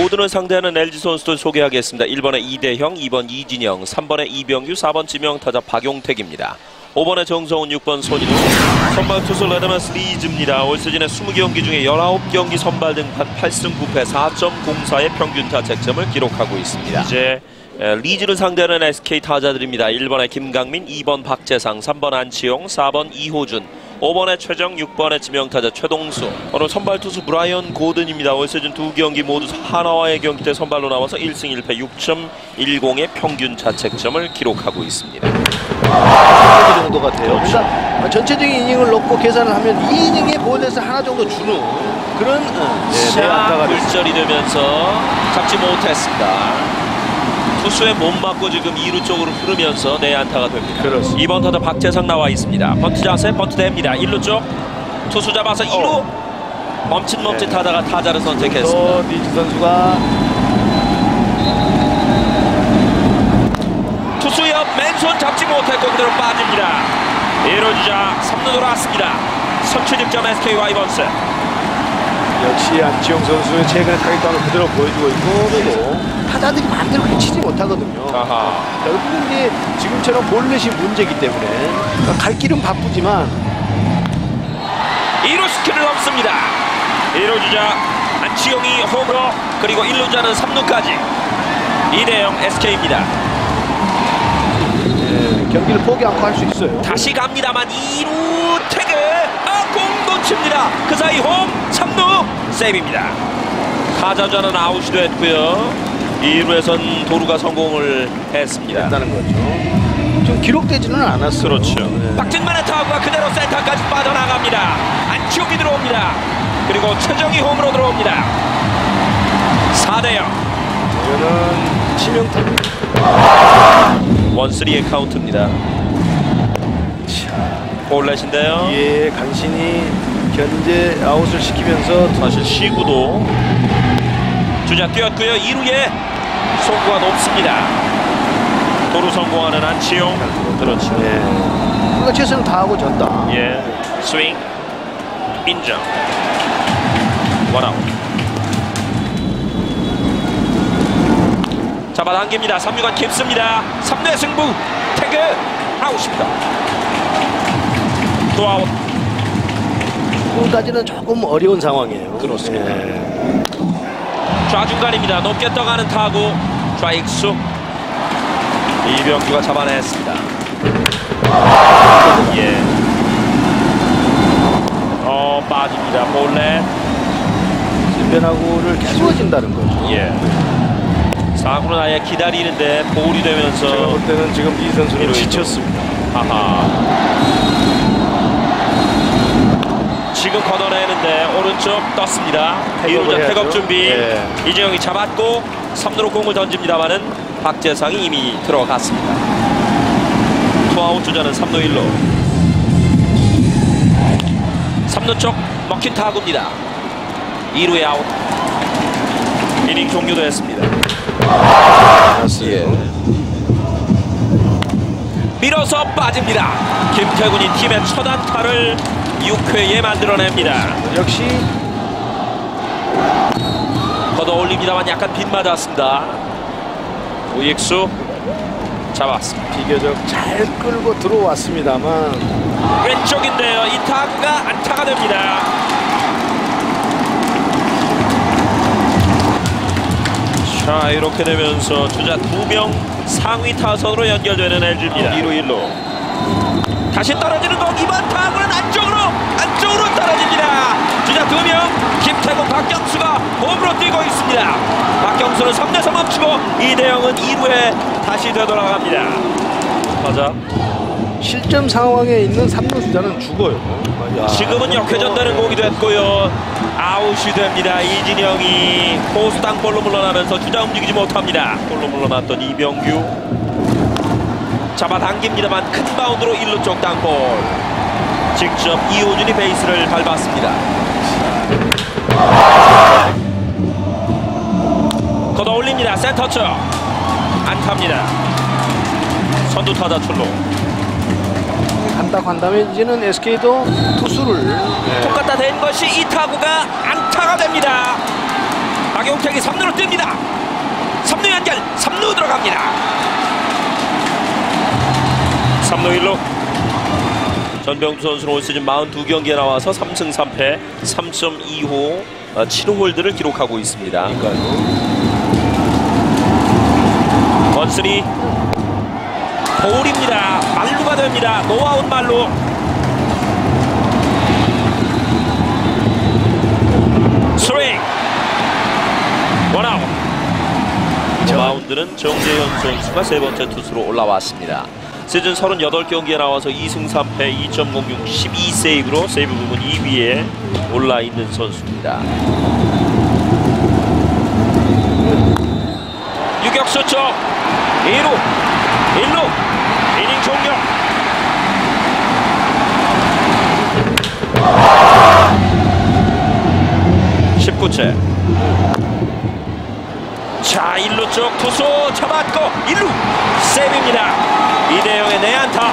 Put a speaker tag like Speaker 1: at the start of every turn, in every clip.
Speaker 1: 고든을 상대하는 LG 선수들 소개하겠습니다. 1번에 이대형, 2번 이진영, 3번에 이병규, 4번 지명타자 박용택입니다. 5번에 정성훈, 6번 손인우. 선발 투수 레드먼스 리즈입니다. 올 시즌에 20경기 중에 19경기 선발 등판 8승 9패 4.04의 평균 타책점을 기록하고 있습니다. 이제 리즈를 상대하는 SK 타자들입니다. 1번에 김강민, 2번 박재상, 3번 안치용, 4번 이호준, 5번에 최정, 6번에 지명타자 최동수. 오늘 선발 투수 브라이언 고든입니다. 올 시즌 2경기 모두 하나와의 경기 때 선발로 나와서 1승 1패 6.10의 평균 자책점을 기록하고 있습니다.
Speaker 2: 그 정도 같아요.
Speaker 1: 그렇죠.
Speaker 2: 그러니까 전체적인 이닝을 넣고 계산을 하면 2이닝에 볼넷을 하나 정도 주는 그런
Speaker 1: 자, 굴절이 되면서 잡지 못했습니다. 투수의 몸 맞고 지금 2루 쪽으로 흐르면서 내안타가 됩니다.
Speaker 2: 그렇습니다.
Speaker 1: 2번 타자 박재상 나와 있습니다. 번트 자세, 번트 됩니다. 1루 쪽 투수 잡아서 2루 멈칫멈칫하다가 타자를 선택했습니다.
Speaker 2: 리즈 선수가
Speaker 1: 투수 옆 맨손 잡지 못했고 그대로 빠집니다. 1루 주자 3루 돌아왔습니다. 선취 득점 SK 와이번스.
Speaker 2: 역시 안치용 선수의 최근의 타격감을 그대로 보여주고 있고, 그래도 타자들이 마음대로 그렇게 치지 못하거든요. 결국은 이제 지금처럼 볼넷이 문제이기 때문에 그러니까 갈 길은 바쁘지만
Speaker 1: 2루 스킬을 넘습니다. 1루 주자 안치용이 홈으로, 그리고 1루 주자는 3루까지. 이대영 SK입니다.
Speaker 2: 경기를 포기 않고 할 수 있어요.
Speaker 1: 다시 갑니다만 2루 태그, 공 놓칩니다. 그 사이 홈 3루 세이브입니다. 타자자는 아웃이 됐고요. 2루에선 도루가 성공을 했습니다.
Speaker 2: 했다는 거죠. 좀 기록되지는 않았어요.
Speaker 1: 그렇죠. 박진만의 타구가 그대로 센터까지 빠져나갑니다. 안치용이 들어옵니다. 그리고 최정이 홈으로 들어옵니다. 4대0.
Speaker 2: 이거는 치명타.
Speaker 1: 1-3의 카운트입니다. 볼넷인데요.
Speaker 2: 예, 간신히 견제 아웃을 시키면서
Speaker 1: 사실 시구도 주자 뛰었고요. 2루에 송구가 높습니다. 도루 성공하는 안치용. 그렇죠.
Speaker 2: 예. 그러니까 최선을 다하고 졌다.
Speaker 1: 예. 스윙 인정. 원아웃. 잡아당깁니다. 3루간 깊습니다. 3루의 승부. 태그 아웃입니다. 또 아웃.
Speaker 2: 지금까지는 조금 어려운 상황이에요.
Speaker 1: 그렇습니다.
Speaker 2: 예.
Speaker 1: 좌중간입니다. 높게 떠가는 타구. 좌익수. 이병규가 잡아냈습니다. 예. 빠집니다. 볼넷.
Speaker 2: 변화구를 키워진다는 거죠.
Speaker 1: 예. 4구는 아예 기다리는데 볼이 되면서
Speaker 2: 제가 볼 때는 지금 이 선수는 지쳤습니다.
Speaker 1: 하하. 지금 걷어내는데 오른쪽 떴습니다. 2루자 태업 준비.
Speaker 2: 예.
Speaker 1: 이재영이 잡았고 3루로 공을 던집니다만은 박재상이 이미 들어갔습니다. 투아웃 주자는 3루 1루. 3루 쪽 먹힌 타구입니다. 2루에 아웃. 이닝 종료됐습니다.
Speaker 2: 예.
Speaker 1: 밀어서 빠집니다. 김태군이 팀의 첫 안타를 6회에 만들어냅니다.
Speaker 2: 역시
Speaker 1: 걷어 올립니다만 약간 빗맞았습니다. 우익수 잡았습니다.
Speaker 2: 비교적 잘 끌고 들어왔습니다만
Speaker 1: 왼쪽인데요. 이 타구가 안타가 됩니다. 자, 이렇게 되면서 주자 2명 상위 타선으로 연결되는 LG입니다. 2루 1루. 다시 떨어지는 공. 이번 타구는 안쪽으로 떨어집니다. 주자 2명 김태군, 박경수가 홈으로 뛰고 있습니다. 박경수는 3루에서 멈추고 이대영은 2루에 다시 되돌아갑니다. 타자
Speaker 2: 실점 상황에 있는 3루 주자는 죽어요.
Speaker 1: 지금은 역회전되는 공이 됐고요. 아웃이 됩니다. 이진영이 포수 땅볼로 물러나면서 주자 움직이지 못합니다. 볼로 물러났던 이병규 잡아당깁니다만 큰 바운드로 1루 쪽 땅볼. 직접 이호준이 베이스를 밟았습니다. 걷어 올립니다. 센터 쪽 안타입니다. 선두 타자 출루.
Speaker 2: 한다고 한다면 이제는 SK도 투수를
Speaker 1: 똑같다 된 것이 이 타구가 안타가 됩니다. 박용택이 3루로 뜹니다. 3루 연결, 3루 들어갑니다. 3루 1루. 전병주 선수는 올 시즌 42경기에 나와서 3승 3패 3.25 7홀드를 기록하고 있습니다. 원슬이 볼입니다. 말루가 됩니다. 노아웃 말루. 스윙 원아웃. 마운드는 정재현 선수가 세 번째 투수로 올라왔습니다. 시즌 38경기에 나와서 2승 3패 2.06 12세이브로 세이브 부분 2위에 올라있는 선수입니다. 유격수 쪽 2루 1루 이닝 종료. 자 1루 쪽 투수 잡았고 1루 세이브입니다. 이대영의 내안타.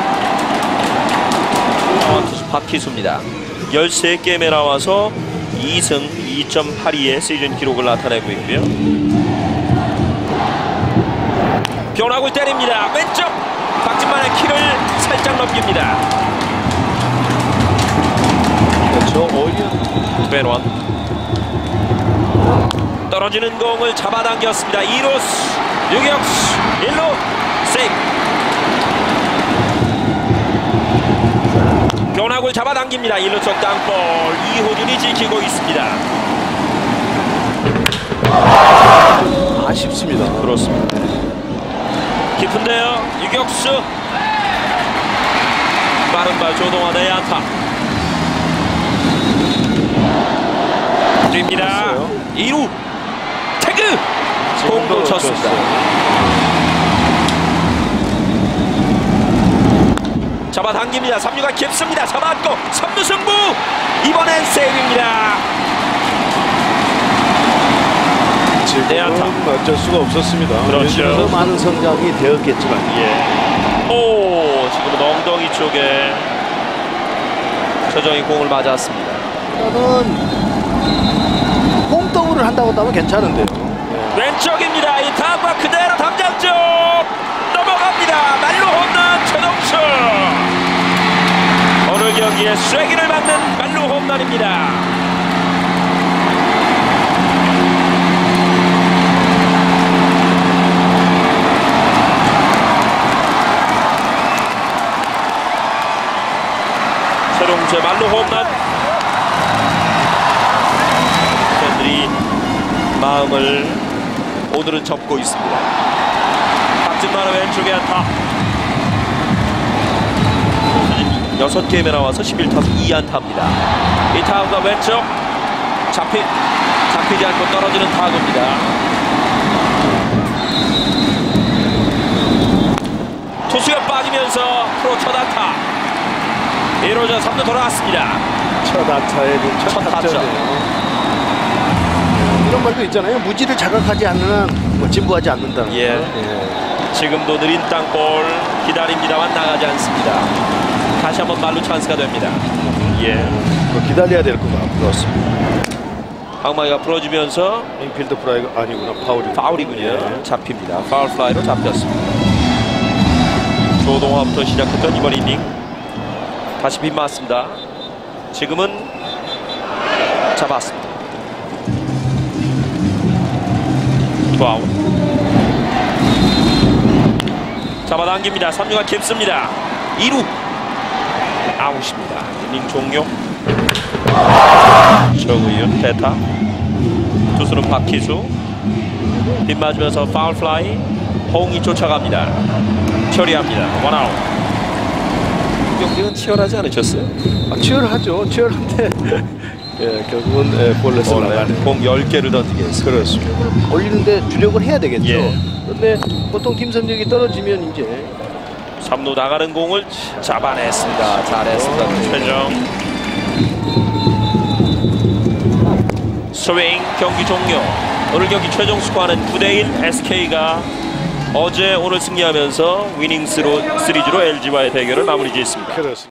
Speaker 1: 투수 박희수입니다. 13게임에 나와서 2승 2.82의 시즌 기록을 나타내고 있고요. 변화구를 때립니다. 왼쪽 박진만의 키를 살짝 넘깁니다.
Speaker 2: 그렇죠. 어이야.
Speaker 1: 벤원 떨어지는 공을 잡아당겼습니다. 2루수 유격수 1루 세이브. 변화구를 잡아당깁니다. 1루 쪽 땅볼 이호준이 지키고 있습니다.
Speaker 2: 아쉽습니다.
Speaker 1: 그렇습니다. 깊은데요. 유격수 빠른 발 조동환의 안타. 뛰입니다. 2루 태그 공도 쳤습니다. 잡아당깁니다. 3루가 깊습니다. 잡았고 3루 승부. 이번엔 세이브입니다.
Speaker 2: 지금은 어쩔 수가 없었습니다.
Speaker 1: 그렇죠.
Speaker 2: 많은 성장이 되었겠지만
Speaker 1: 오 지금은 엉덩이 쪽에 최정이 공을 맞았습니다.
Speaker 2: 저는 홈더블을 한다고 하면 괜찮은데요.
Speaker 1: 왼쪽입니다. 이 타구가 그대로 담장 쪽 넘어갑니다. 말루 홈런 최동수. 오늘 경기에 쐐기를 막는 말루 홈런입니다. 최동수의 말루 홈런. 팬들이 마음을 오늘은 접고 있습니다. 박진만의 왼쪽에 안타. 6게임에 나와서 11타수 2안타입니다. 이 타구가 왼쪽 잡히지 않고 떨어지는 타구입니다. 투수가 빠지면서 프로 첫 안타. 1호자 3루 돌아왔습니다.
Speaker 2: 첫 안타에 첫 타점이에요. 이런 말도 있잖아요. 무지를 자각하지 않는 한 진부하지 않는다는 거.
Speaker 1: 예. 지금도 느린 땅볼 기다립니다만 나가지 않습니다. 다시 한번 말루 찬스가 됩니다.
Speaker 2: 기다려야 될 것 같고.
Speaker 1: 그렇습니다. 방망이가 부러지면서
Speaker 2: 인필드 프라이가 아니구나.
Speaker 1: 파울이군요. 잡힙니다. 파울 플라이로 잡혔습니다. 조동화부터 시작했던 이번 이닝 다시 빗맞습니다. 지금은 잡았습니다. 투아웃. 잡아당깁니다. 3루가 깊습니다. 2루 아웃입니다. 이닝 종료. 정의윤 대타. 투수는 박희수. 빗맞으면서 파울 플라이. 홍이 쫓아갑니다. 처리합니다. 원아웃. 경기는 치열하지 않으셨어요?
Speaker 2: 치열하죠. 치열한데 결국은 볼넷을 나가는
Speaker 1: 공 10개를 던지게 했습니다.
Speaker 2: 그렇습니다. 올리는데 주력을 해야 되겠죠. 그런데
Speaker 1: 예.
Speaker 2: 보통 팀 성적이 떨어지면 이제
Speaker 1: 3루 나가는 공을 잡아냈습니다. 잘했습니다. 최정. 스윙 경기 종료. 오늘 경기 최종 스코어는 9대1. SK가 어제 오늘 승리하면서 위닝 시리즈로 LG와의 대결을 마무리 지었습니다.
Speaker 2: 그렇습니다.